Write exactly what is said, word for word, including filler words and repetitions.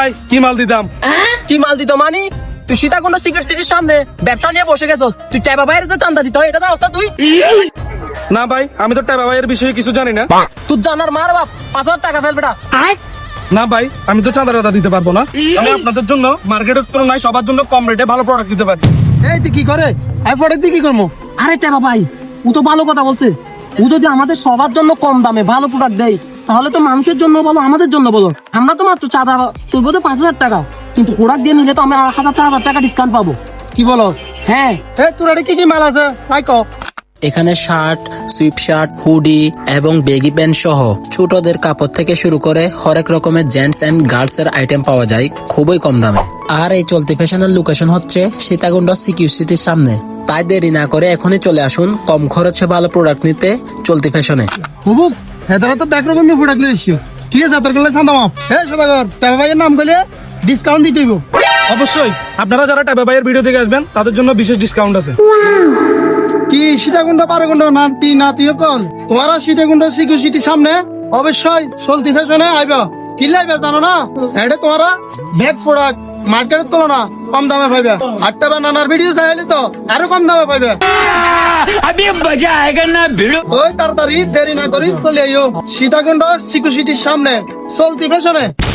ভাই কি মাল দিতাম? কি মাল দিত মানে? তুই সীতাকুণ্ড সিগারেট সিটির সামনে ব্যবসা নিয়ে বসে গেছস, তুই চাইবা বাইরে যে চান্দা দিতে হয় এটা তো অবস্থা তুই। না ভাই, আমি তো টাকা ভাইয়ের বিষয়ে কিছু জানি না। তুই জানার মার বাপ, পাঁচ হাজার টাকা ফেল বেটা। না ভাই, আমি তো চাঁদা টাদা দিতে পারবো না। আমি আপনাদের জন্য মার্কেটের তুলনায় সবার জন্য কম রেটে ভালো প্রোডাক্ট দিতে পারি। এই তুই কি করে আই প্রোডাক্ট দিয়ে কি করবো? আরে টাকা ভাই, ও তো ভালো কথা বলছে। ও যদি আমাদের সবার জন্য কম দামে ভালো প্রোডাক্ট দেয় তাহলে তো মানুষের জন্য বলো আমাদের জন্য বলো, আমরা তো মাত্র চাঁদা তুলবো তো পাঁচ হাজার টাকা, কিন্তু প্রোডাক্ট দিয়ে নিলে তো আমি হাজার চার হাজার টাকা ডিসকাউন্ট পাবো। কি বলো? হ্যাঁ এই তোর কি কি মাল আছে সাইক? এখানে শার্ট, সুইপ শার্ট, হুডি এবং বেগি প্যান্ট সহ ছোটদের কাপড় থেকে শুরু করে হরেক রকমের জেন্টস এন্ড গার্লস এর আইটেম পাওয়া যায় খুবই কম দামে। আর এই চলতি ফ্যাশনের লোকেশন হচ্ছে সীতাকুণ্ড সিকিউ সিটির সামনে। তাই দেরি না করে এখনই চলে আসুন কম খরচে ভালো প্রোডাক্ট নিতে চলতি ফ্যাশনে। বুবু হেদারা তো ব্যাক রকম নিয়ে প্রোডাক্ট লিয়ে এসিও। ঠিক আছে তোর গেলে শান্ত মাপ। এই সদাগর টাকা ভাইয়ের নাম গেলে ডিসকাউন্ট দিতে হইব। অবশ্যই আপনারা যারা টাকা ভাইয়ের ভিডিও থেকে আসবেন তাদের জন্য বিশেষ ডিসকাউন্ট আছে। কি সীতাকুণ্ড পারকুণ্ড নাতি নাতি কল তোমারা সীতাকুণ্ড সিকিউরিটির সামনে অবশ্যই চলতি ফ্যাশনে আইবা। কি লাইবে জানো না? এটা তোমারা ব্যাক প্রোডাক্ট মার্কেটের তুলনা কম দামে পাইবে। আটটা বা নানার ভিডিও চাইলে তো আরো কম দামে পাইবে। ওই তাড়াতাড়ি দেরি না করি চলে আইও সীতাকুণ্ড সিকিউরিটির সামনে চলতি ফ্যাশনে।